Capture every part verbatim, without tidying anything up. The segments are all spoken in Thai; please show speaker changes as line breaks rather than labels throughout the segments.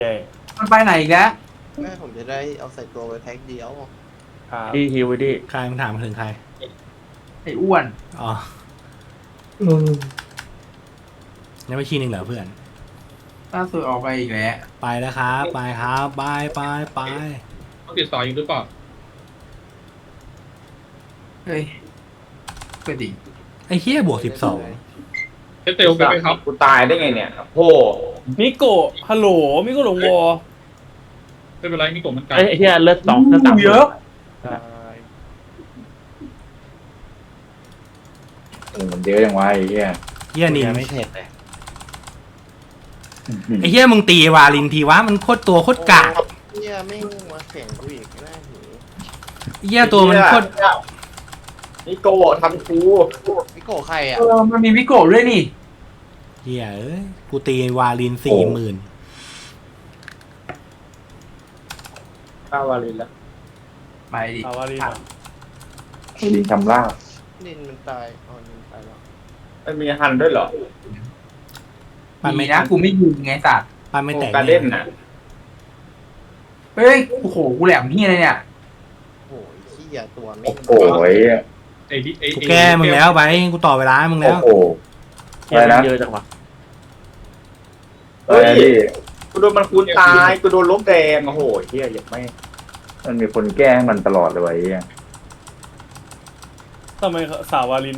มันไปไหนอีกแล้ว
แม่ผมจะได้เอาใส่ตัวไปแพ็คเดียว
ดีฮิวไปดิ
ใครมันถามมาถึงใคร
ไอ้อ้วน
อ๋อยังไม่ชี้หนึ่งเหรอเพื่อน
ล่าสุดออกไปอีกแล้ว
ไปแล้วครับไปครับไปไปไป
ต้องติดต่ออยู่หรือเปล่า
เฮ้ยเปิดดิ
ไอ้เฮียบวกสิบสอง
เทสเตลไปไหมครับ
กูตายได้ไงเนี่ยโอ้
มิโกะฮัลโหลมิโกะหลงวอ
ไม่เป็นไรนี่กดมันไกล
ไอ้เฮียเลือดสองเลือดสาม
เยอะ
เออมันเยอะยังวะไอ้เหี้ย
เฮียนิน
ไม่เผ็ดเลย
ไอ้เฮียมึงตีวาลินทีวะมันโคตรตัวโคตรกาก
เนี่ยไม่มาแข่งกูอีกแม่หนี
ไอ้เฮียตัวมันโคตร
นี่โกทำกู
พี่โก้ใครอ่ะ
เออมันมีวิโกะด้วยนี่
เฮียเอ้ยกูตีวาลินสี่หมื่น
ข้าววาลินแล้ว
ไปดิ
อาวารี
ลิงทำลาบ
นินมันตายอ๋อนินตายแล้ว
มันมีฮันด้วยเหรอ
ปัน
มี
ไม่
นะกูไม่ยิงไงสัตว์
ปันไม่แตก
การเล่นน่ะ
เฮ้ยโอ้โหกูแหลมเฮียเลยเนี่ย
โอ้ยขี้ยตัวไม่
โอ้โหไอ้เหี้ย
ไอ้ดิไอ้
กูแก้มึงแล้วไปกูต่อเวลาให้มึง
โอ้
แล้ว
โหอะไรนะ
เยอะจังวะ
อะไรนะพี่
กูโดนมันคูณตายกูโดนล้มแดงโอ้โหเฮียยังไม่
มันมีคนแก้ให้มันตลอดเลยวะไอ้เหี้ย
ทำไมสาววาลิน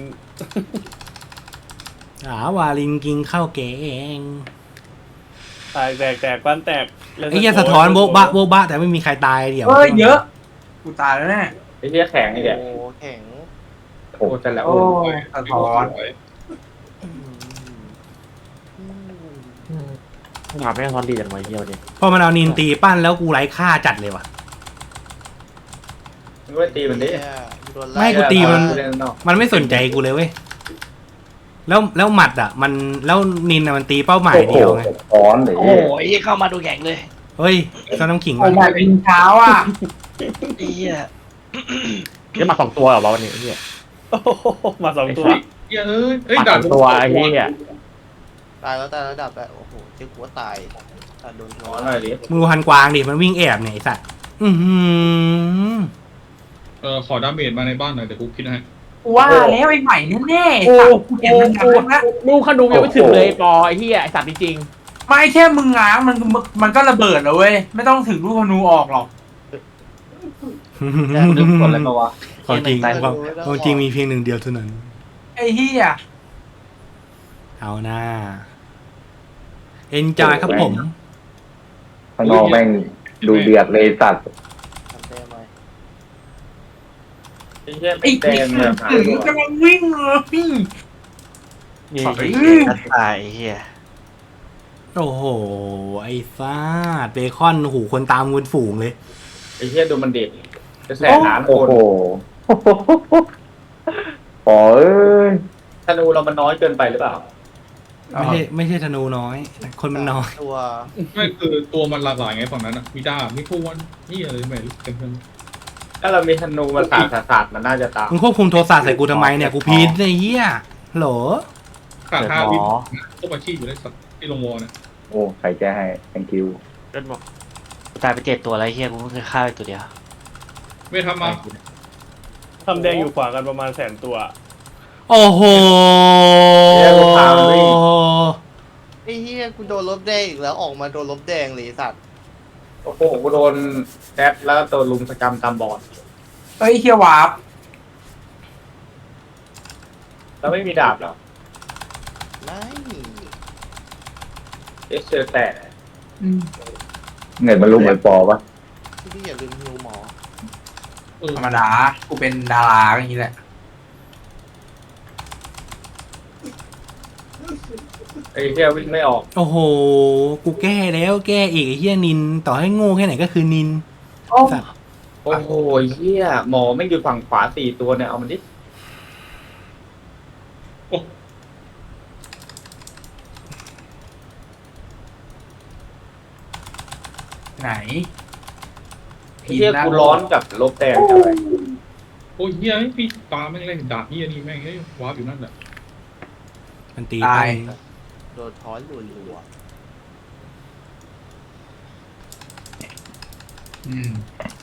อ่าวาลินกินข้าวแกง
ตายแตกแตกปั้นแตก
ไอ้เฮียสะท้อนโบ๊ะบะโบ๊ะบะแต่ไม่มีใครตายเดี๋ยว
เฮ้ยเยอะกูตายแล้วแน่
ไอ้เฮียแข็งไอ้เดีย
โอ้แข็ง
โอ้แต่แล้ว
โอ้ยสะท้อน
หาไม่ทอนดีจังวะเฮียดิ
พอมันเอานินตีปั้นแล้วกูไร้ค่าจัดเลยว่ะ
มึงไปตีมันดิ
โดน
ไม่
ไล่
กูตีมัน
เล่นนอก
มันไม่สนใจกูเลยเว้ย แล้วแล้วหมัดอ่ะ มันแล้วนินอ่ะมันตีเป้าหมาย
โอ้โห
เดียวไง
อ้อนไอ้
โอ้
เหี้ย
ยเข้ามาดูแข่งเลย
เฮ้ยก็น้ำขิง
โอ้
ก่อน
ยเป็นเช้าอ่ะ
ไอ้เหี้ย
เฮียมาสองตัวเหรอวะวันนี้เฮีย
โอ้โหมาสองตัว
เฮ้ยเอ้ยเอ้ย
มาส
ด่า
องตัวไอ้เฮีย
ตายแล้วตายแล้วดับไปโอ้โหเจ๊กูว่าตายตายโดนหั
ข
ว
อหน่อยดิ
มึงดูฮันกวางดิ มันวิ่งแอบเนี่ยไอ้สัตว์ อือหือ
เออขอดาเมจมาในบ้านหน่อยเดี๋ยวกูคิดให้
กูว่าแล้วไอ้ใหม่แน่ๆ
โอ้
สัตว์กูเห็นมันง้างนะ
ลูกขนุนยังไม่ถึงเลยปอไอ้เฮียไอ้สัตว์จริง
ไม่แค่มึงง้างมันมันก็ระเบิดแล้วเว้ยไม่ต้องถึงลูกธนูออกหรอก
ๆดึงคนอะไรมาวะ
ของจริงความความจริงมีเพียงหนึ่งเดียวเท่านั้น
ไอ้เฮีย
เอาหน้า เอนจอยครับผม
ข้างนอกแม่งดูเดือดเลยสัตว์
ทำแต้มไว้
ไอ้เฮีย
ไอ้
แด
เหี้ย
งเลยหา
ถึง
ตัว
กำลังวิ่งเลยพี่
นี่
ขอบคุณ
ไอ้เหี้ยนัดตายไอ้เหี้ย
โอ้โห ไอ้ซาดเบคอนหูคนตามเงินฝูงเลย
ไอ้เฮียดูมันเด็กจะแสนล้านค
โอ้
น
โหโอ้เอ้ย
ธนูเรามันน้อยเกินไปหรือเปล่า
ไม่ใช่ไม่ใช่ธนูน้อย คนมันน้อย
ตัว
ไม่คือตัวมันหลากหลายไงฝั่งนั้นอ่ะมีดาบมีพวนนี่อะไรไม่รู้เต็มเลย
ถ้าเรามีธนูมาสาดสาดสาดมันน่าจะตาม
มึงควบคุมโทรศัพท์ใส่กูทำไมเนี่ย กูพีดไอ้เหี้ยโหล
ขาดห้าวิพวกอาชีพอยู่ได้สักที่ลงวอลเนี่ย
โอ้ใครแก้ให้ thank you
เล่นบอกตายไปเจ็ดตัวแล้วไอ้เหี้ยกูเพิ่งเคยฆ่าไปตัวเดียว
ไม่ทำมา
ทำแดงอยู่ขวากันประมาณแสนตัว
โอ้โห
ไอ้เฮียกูโดนลบแดงอีกแล้วออกมาโดนลบแดงเลยสัตว์
โอ้โหกูโดนแดดแล้วก็ตัวลุมสกรรมตามบอด
เฮ้ยเฮียวาร์ป
แล้วไม่มีดาบเหรอ
ไม่
เอสเจอแต่
อืม
เงินมันลุมเหมือนปอปะ
พี่อย่าลืมฮิวหมอ
เออ
ธรรมดากูเป็นดาราอย่างนี้แหละ
ไอ้เฮียวิ่งไม่ออก
โอ้โห กูแก้แล้วแก้อีกไอ้เหี้ยนิน ต่อให้โง่แค่ไหนก็คือนิน
โอ้
สัตว์
โอ้โหเฮียหมอไม่งอยู่ฝั่งขวาสี่ตัวเนี่ยเอามันดิ
ไหน
ไอ้เฮียกูร้อนกับลบแดงจังเลย
โอ้ยเฮียพี่ตาแม่งเล่นดาบเฮียนี่แม่งเฮ้ยวาร์ปอยู่นั่นแหละ
มันตี
ตาย
ไป
โดนท้อนรัว
อืม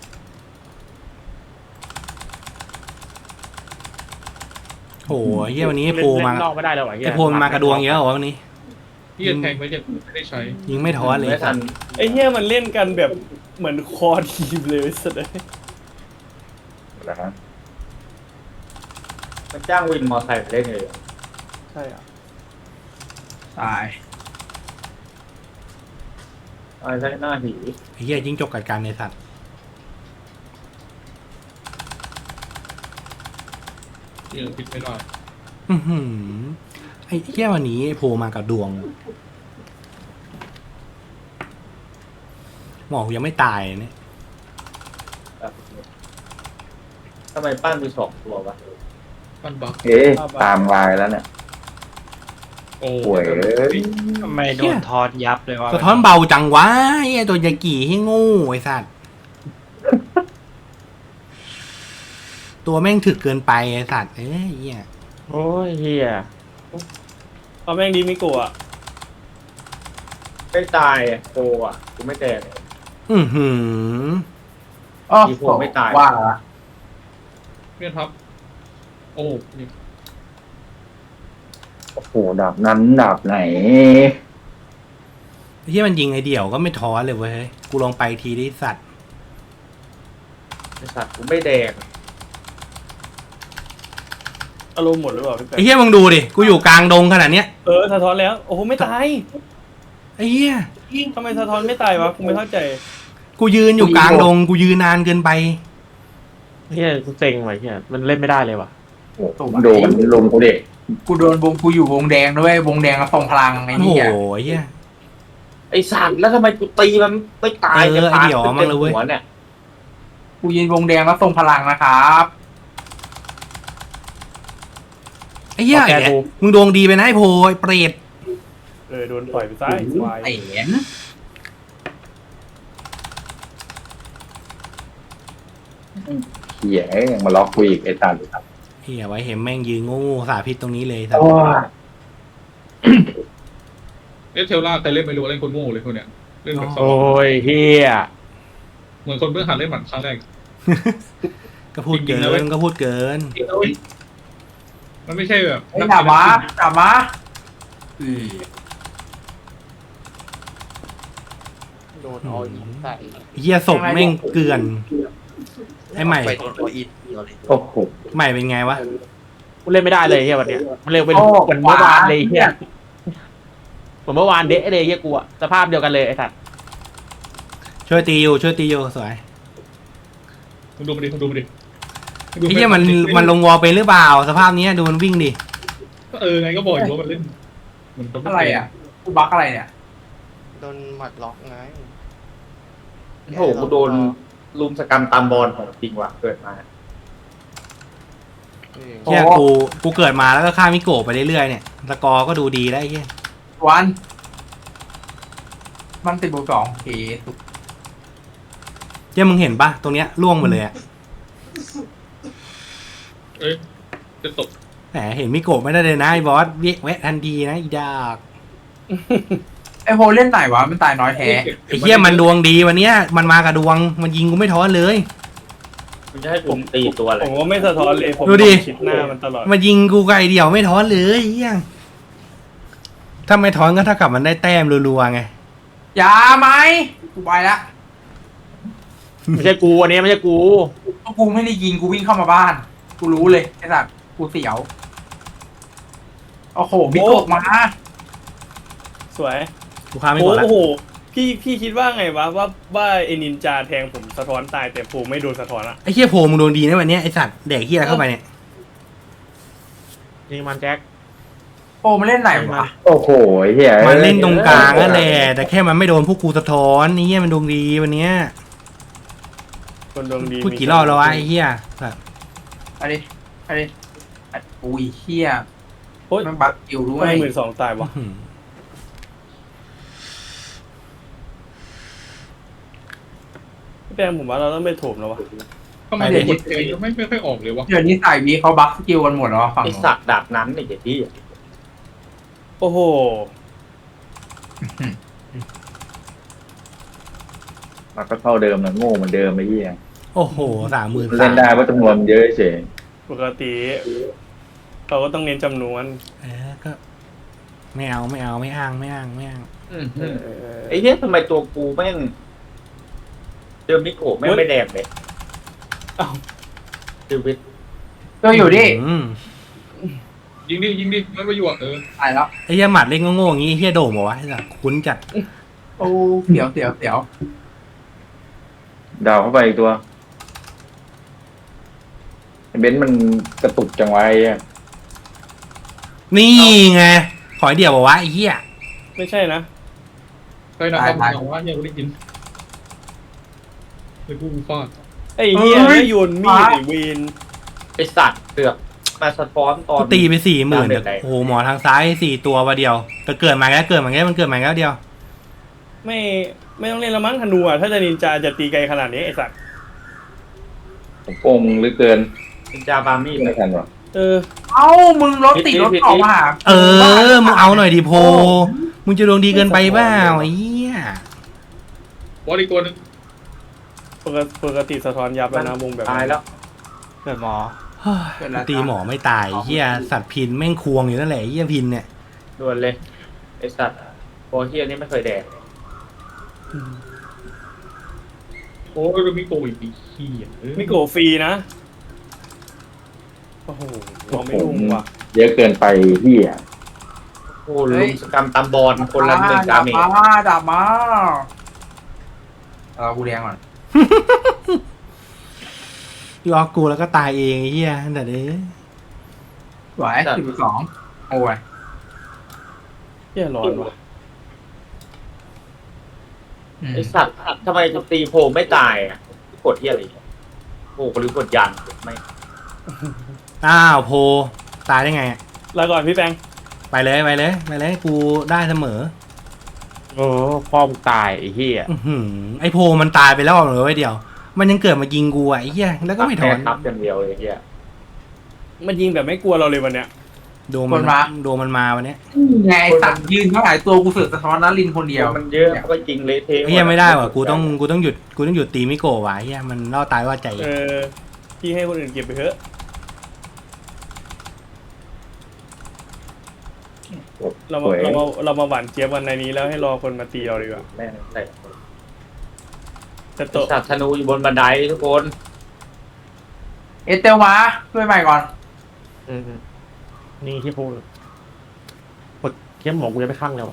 โอ้โหเฮียวันนี้ไอ้โพมา
เล่นนอกไม่ได้แล้วเหรอเหี้ย
ไอ้โพมันมากระดวงเยอะเหรอวะวันนี้
พี่จะแทงไว้จะไม่ได้ใช้
ยิงไม่ท้อนเลย
ไม่ทัน
ไอ้เหี้ยมันเล่นกันแบบเหมือนคอทีมเลยสุดเลย
นะฮะ
มันจ้างวินมอไซค์ไปเล่นเลย
ใช่อ่ะ
ตาย
ไอ้ใช่หน้าหี
ไอ้เฮียยิงจกกัดกันในสัตว์
ที่เราคิดไม่ได้
อื้อหือไอ้เฮียวันนี้ไอ้โพมากับดวงหมอกูยังไม่ตายเนี่ย
ทำไมปั้นมีสองตัววะ
ปั้นบัก
เอ๊ะตามลายแล้วเนี่ย
โอ้
ป่วยเอ้ย
ทำไมโดนทอนยับเลยว่า
สะท้อนเบาจังวะไอ้ตัวยากี่ให้โง่ไอ้สัตว์ตัวแม่งถึกเกินไปไอ้สัตว์เอ้ยเฮีย
โอ้ยเฮีย
เอาแม่งดีมิโกะ
ไม่ตายอะโตอ่ะกูไม่แตก
อือหือ
อ๋อ
อีพวกไม่ตาย
ว่าละ
เพื่อนทับโอ้นี่
โอ้โหดาบนั้นดาบไหน
ไอ้เฮียมันยิงไอเดี่ยวก็ไม่ท้อเลยเว้ยกูลองไปทีดิสัตว์
ไอสัตว์กูไม่แดง
อารมณ์หมดหรือเปล่าพี่แป๊
ไอ้เฮียมึงดูดิกูอยู่กลางดงขนาดเนี้ย
เออสะท้อนแล้วโอ้โหไม่ตาย
ไอ้เฮีย
ทำไมสะท้อนไม่ตายวะกูไม่เข้าใจ
กูยืนอยู่กลางดงกูยืนนานเกินไป
เฮียกูเซ็งว่ะเฮียมันเล่นไม่ได้เลยว่ะ
โอ้โหโดนลุมกูเด็ก
กูโดนวงกูอยู่วงแดงด้วยวงแดงแล้วส่งพลังไอ้
โอ้โห
เนี่ย
ไอ้เฮีย
ไอสัตว์แล้วทำไมกูตีมันไม่ตาย
เออไอ้เดี่ยวเอามั่งเลยเว้ย
หัวเนี่ย
กูยืนวงแดงแล้วส่งพลังนะครับ
ไอ้เฮียไอ้เนี่ยมึงดวงดีไปนะไอ้โพไอ้เปรต
เออโดนต่อยไปซ้ายควาย
ไอ้เห็น
เหี้ยยังมาล็อกกูอีกไอ้ตัน
เฮียไว้เห็นแม่งยืนโง่ๆสาพิษตรงนี้เลยสัต
โอ้
ว์
ย
เอสเทลล่าใครเล่นไม่รู้เล่นคนโง่เลยคนเนี้ยเล่นแบบสอ
โอ้
ง
ยเฮีย
เหมือนคนเพิ่งหัดเล่นหมัดครั้งแรก
ก็พูดเกิ
จริงๆนะเว้ย
นก็พูดเกิน
มันไม่ใช่แบบ
ไอ้ดาบมาดาบมาอือ
โดนออินใส่
เฮียศพแม่งเกลือนไอ้ใหม่
ไปโดนออินเดียวเลย
โอ้โห
ใหม่เป็นไงวะ
กูเล่นไม่ได้เลยเฮียวันเนี้ยมันเร็วเป็นเหมือนเมื่อวานเลยเฮียเหมือนเมื่อวานเดะเลยเฮียกูอะสภาพเดียวกันเลยไอ้สัตว์
ช่วยตีอยู่ช่วยตีอยู่สวย
มึงดูมาดิมึงดูมาดิ
ไอ้เฮียมันมันลงวอลเป็นหรือเปล่าสภาพเนี้ยดูมันวิ่งดิ
ก็เออไงก็บอกอยู่ว่ามันเล่นเหมือนคน
อะไรอ่ะกูบักอะไรเนี่ย
โดนหมัดล็อกไง
โอ้โหกูโดนลุมสกรรมตามบอลของจริงว่ะเกิดมา
เออ
เฮียกูกูเกิดมาแล้วก็ฆ่ามิโกะไปเรื่อยๆเนี่ยสกอร์ก็ดูดีแล้วไอ้เฮีย
วันมันติดบวกสองโอเคสุด
เฮียมึงเห็นปะตรงเนี้ยล่วงหมดเลยอะ
เอ้ยจะตก
แหมเห็นมิโกะไม่ได้เลยนะไอ้บอสเวะแวะทันทีนะอีดาก
ไอ้โพเล่นไหนวะมันตายน้อยแท้
ไอ้เฮียมันดวงดีวันเนี้ยมันมากับดวงมันยิงกูไม่ท้อเลย
มันจะให้ผมตีตัวอะไร
ผมก็ไม่สะท้อนเลยผม
ดูดิ
ชิดหน้ามันตลอด
มายิงกูไกลเดียวไม่ท้อนเลยเฮียถ้าไม่ท้อนก็เท่ากับมันได้แต้มรัวๆไง
อย่าไหมกูไปละ
ไม่ใช่กูอันนี้ไม่ใช่กู
เพราะกูไม่ได้ยิงกูวิ่งเข้ามาบ้าน กูรู้เลยไอ้สัตว์กูเสียวโอ้โหบิ๊กโกมา
สวย
กูฆ่าไม่
โอ้
กดละ
โหพี่พี่คิดว่าไงวะว่าว่าไอ้นินจาแทงผมสะท้อนตายแต่ผมไม่โดนสะท้อนอะ
ไอ้เฮียโผล่มึงโดนดีนะวันเนี้ยไอ้สัตว์แดกเฮียเข้าไปเนี่ย
นี่มันแจ็ค
โอ้มันเล่นไหนวะ
โอ้โหเหี้ย
มันเล่นตรงกลางนั่นแหละแต่แค่มันไม่โดนพวกกูสะท้อนนี่เฮียมันดวงดีวันเนี้ย
คนดวงดี
พูดกี่รอบแล้ววะไอ้เฮียแบบ
ไปดิไปดิไอ้อุ้ยเฮีย
โอ้ย
มันบักคิวด้ว
ไม่
ย
หมื่นสองตายวะ
อื้อหือ
พี่แปงผมว่าเราต้องไปโถมแล้ววะ
ทำไมกดเพลงไม่ไม่ค่อยออกเลยวะ
เดี๋ยวนี้สายวีเขาบักสกิลกันหมดแล้วฝั่ง
ไอ
นู้น
สัตว์ดาบนั้นไอ้เหี้ยที่
โอ้โห
มันก็เท่าเดิมนะโง่เหมือนเดิมไอ้เหี้ย
โอ้โหสามหมื่น
เล่
สาน ม
ได้เพราะจำนวนมันเยอะเฉย
ปกติเราก็ต้องเน้นจำนวน
เออก็ไม่เอาไม่เอาไม่อ้างไม่อ้างไม่อ้าง
อืม
เออ
ไอ้เหี้ยทำไมตัวกูแม่งเจอมิโกะแม่งไม่แดงเลย
เอ้า
ชีวิต
ตัวอยู่ดิ
อืม
ยิงดิยิงดิมันไปอยู่อ่ะเออ
ตายแล้ว
ไอ้เหี้ยหมัดเล่นโง่ๆอย่างงี้ไอ้เหี้ยโด่งบอกว่าไอ้สัสคุ้นจัด
โอ้เสียวเสียวเสียว
ดาวเข้าไปอีกตัวไอ้เบนซ์มันกระตุกจังไวะไอ้เหี้ย
นี่ไงขอไอเดียวบอกว่าไอ้เหี้ย
ไม่ใช่นะ
ใครนะครับบอกว่าเนี่ยกูได้ยินไอ้กูฟาด
ไอ้เหี้ยไม่โยนมีดไอ้เวน
ไอสัตว์เสือกมาสะท้อนตอน
ตีไปสี่หมื่น
ดาเมจแรง
โอ้โหหมอทางซ้ายสี่ตัววันเดียวแต่เกิดมาแล้วเกิดมาแล้วมันเกิดมาแล้วเดียว
ไม่ไม่ต้องเล่นละมั้งธนูอ่ะถ้าจะนินจาจะตีไกลขนาดนี้ไอ้สัตว์
ผมโกงเหรือเกิน
นินจาบาร์มี่
ไม่ทันวะ
เออ
เอ้ามึงรถติดรถออกมาหา
เออมึงเอาหน่อยดิโพมึงจะดวงดีเกินไปเปล่าไอ้เหี้ย
บอลอีกตัวหนึง
ปกติปกติสะท้อนยับแล้วนะวงแบบ
ตายแล้ว
เกิดหมอ
เฮ้ยตีหมอไม่ตายไอ้เหี้ยสัตว์พินแม่งควงอยู่นั่นแหละไอ้เหี้ยพินเนี่ย
ด่วนเลยไอสัตว์โบเฮียนี่ไม่เคยแดง
โอ้ยมิโกะอีกปีขี้อ่ะเออ
ไม่โกฟรีนะโอ้โหเราไม่ลงว่ะ
เยอะเกินไปเหี้ย
โอ้ลุมสกรรมตามบอลคนละหนึ่งดาเมจ
ดามาดามาเอากูแดงก่อน
ยอกกูแล้วก็ตายเองไอ้เหี้ยแต่เด้
สวยสิบสองโอ้ย
เหี้ยร้อนว่ะ
อืม
ไอสัตว์ทำไมจะตีโพไม่ตายอ่ะกดเฮียอะไรโอ้หรือกดยันไม่
อ้าวโพตายได้ไงอะ
ลาก่อนพี่แปง
ไปเลยไปเลยไปเลยกูได้เสมอ
โอ้พ่อมึงตายไอ้เหี้ย
อื้อหือไอโพมันตายไปแล้วเหรอไว้เดียว มันยังเกิดมายิงกูอ่ะไอ้เหี้ยแล้วก็ไม่ถอน
แค่ทับอย่างเดียวเลยเฮีย
มันยิงแบบไม่กลัวเราเลยวันเนี้ย
โดนมันโดนมันมาวันเนี้ย
ไงสั่งยืนเท่าไหร่ตัวกูเสือกสะท้อนนัลินคนเดียว
มันเยอะก็จริงเละเทะ
ไอ้เหี้ยไม่ได้ว่ะกูต้องกูต้องหยุดกูต้องหยุดตีมิโกะว่ะไอ้เหี้ยมันล่อตายว่าใจ
เออพี่ให้คนอื่นเก็บไปเถอะเรามาเรามาเรามาหวานเจี๊ยบวันในนี้แล้วให้รอคนมาตีเราดีกว่า
แม่งแต่
แต่
ตัว
โตะ
สัตว์ธนูอยู่บนบันไดทุกคน
เอเตลมาช่วยใหม่ก่อน
อืมนี่ที่พูดกดเข้มหมอกูจะไปข้างแล้ว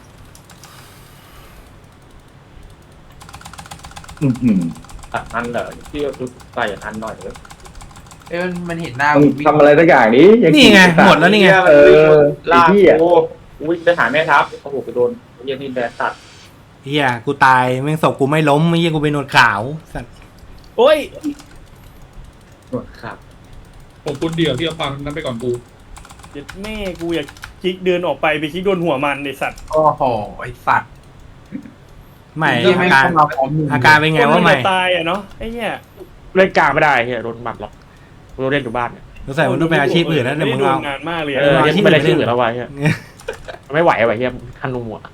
อื้อหือ
อ่ะอันเหรอที่เราใส่อันหน่อยเลย
เอ้ยมันมันเห็นหน้า
มึง
วิ่
ทำอะไรสักอย่างนี้ยัง
นี่ไงหมดแล้วนี่ไง
เออ
ลา
ไอ้
ก
เหี้ย
โอ้วิ่งไปหาแม่ทัพโอ้โหไปโดนเยี่ยนี่แบสัตว์
เหี้ยกูตายแม่งศพกูไม่ล้มไอ้เหี้ยกูเป็นหนวดขาวสัตว์
โอ้ย
หนวดครับ
ผมคุณเดียวที่เอาปังนั้นไปก่อนกู
เจ็ดแม่กูอยากคลิกเดินออกไปไปคลิกโดนหัวมันไอสัตว์
โอ้โหไอสัตว์
ไม่
ที่
อา
ไม่
การ
เข้ามาพร้อมมึง
อาการเป็นไงว่าใหม่
คนนจะตายอ่ะเนาะไอ้เหี้ย
เล่นกลางไม่ได้เฮียโดนหมัดหรอกกูเล่นอยู่บ้านเนี่ย
สงสัยมันต้องเป็นอาชีพอื่นแล้วเดี๋ยวมึง
ไได้
เอา
โดนงานมากเลย
เอ
อะ
อ
อาชีพ
ไม่ได้
อื่น
ชื่อแล้ววะเฮียไม่ไหวว่ะเฮียคันนูอ่ะ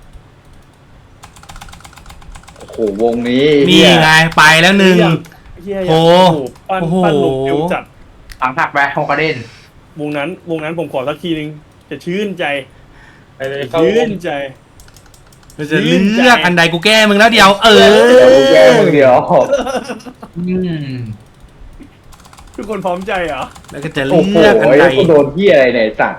โอ้โหวงนี้
นี่
เหี้ย
ไงไปแล้วหนึ่ง
เหี้ย
โอ้
ปั้น
โอ้โห
ปั้นลงเร็วจัด
หลังถักไปโฮกาเดน
วงนั้นวงนั้นผมขอสักทีนึงจะชื่นใจ
ไปเลยเข้า
ชื่นใจ
เราจะเลือกอันใดกูแก้มึงแล้วเดียว เออ
เดี๋ยวกูแก้มึงเดียว
อืม
ทุกคนพร้อมใจเหรอ
แล้วก็จะ
โอ้โห
เลือกอันใด
กูโดนที่อะไรเนี่ยไอ้สัตว์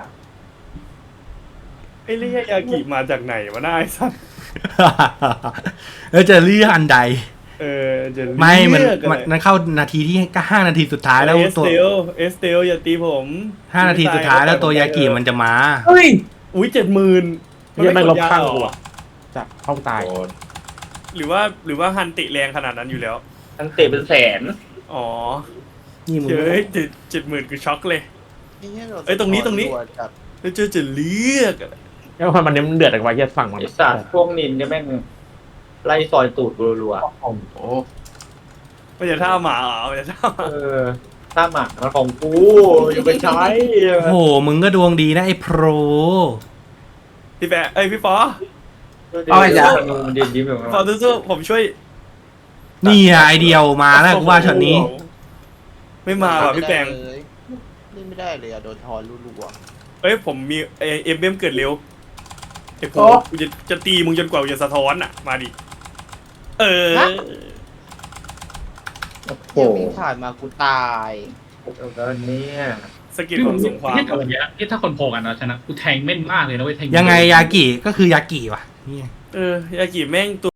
ไอ้เรียยากิมาจากไหนวะน่าไอ้สัส
แล้วจะเลือกอันใด
เออจะเลือก
ไม่มัน
อะไร
มันมันเข้านาทีที่ห้านาทีสุดท้ายแล้ว
เอส
ตัว
เตลเอสเตลอย่าตีผม
ห้านาทีสุดท้ายแล้วตัวยากิมันจะมา
เฮ้ย
อุ้ยเจ็ดหมื่น
เฮียแม่งลบข้างกูอ่ะจับเข้าตาย
หรือว่าหรือว่าฮันติแรงขนาดนั้นอยู่แล้ว
ทั้งเตะเป็นแสน
อ๋อ
นี่มึง
เฮ้ยเจ็ดเจ็ดหมื่นคือช็อกเลย เอ้ยตรงนี้ตรงนี้
จัด
แล้วเจอจะเลือกอะ
แล้วมันมันเดือดอะไรเฮียฝั่งมัน
ไอสัตว์พวกนินเนี่ยแม่งไล่ซอยตูดรัว
โอ้โห
มันจะท่าหมาเหรอมันจะท่าห
ๆ
มา
เออถ้าหมักมันของกูอย่าไปใช้
โอ้โหมึงก็ดวงดีนะไอ้โปร
พี่แปะเอ้ยพี่ฟอ
เอาไอ้จ้ามันยืนยิ้มอยู่
ฟอสู้ๆผมช่วย
นี่อะไอเดียวมาแล้วกูว่าช็อตนี้
ไม่มาว่ะพี่แปง
เลยนี่ไม่ได้เลยอะโดนทอนรัว
เอ้ยผมมีเอ็มเอ็มเกิดเร็วไอ้โผ
โอ้
กูจะจะตีมึงจนกว่ากูจะสะท้อนอ่ะมาดิเออ
โอ้
ๆ
โห
เหี้ยวิ่งผ่านมากูตาย
แล้วเนี่ย
สกิลของสงคราม
ที่ทำอย่างเงี้ยที่ถ้าคนพอกันนะชนะกูแทงแม่นมากเลยนะเว้ยแทง
ยังไงยากิก็คือยากิว่ะนี่
เออยากิแม่งตัว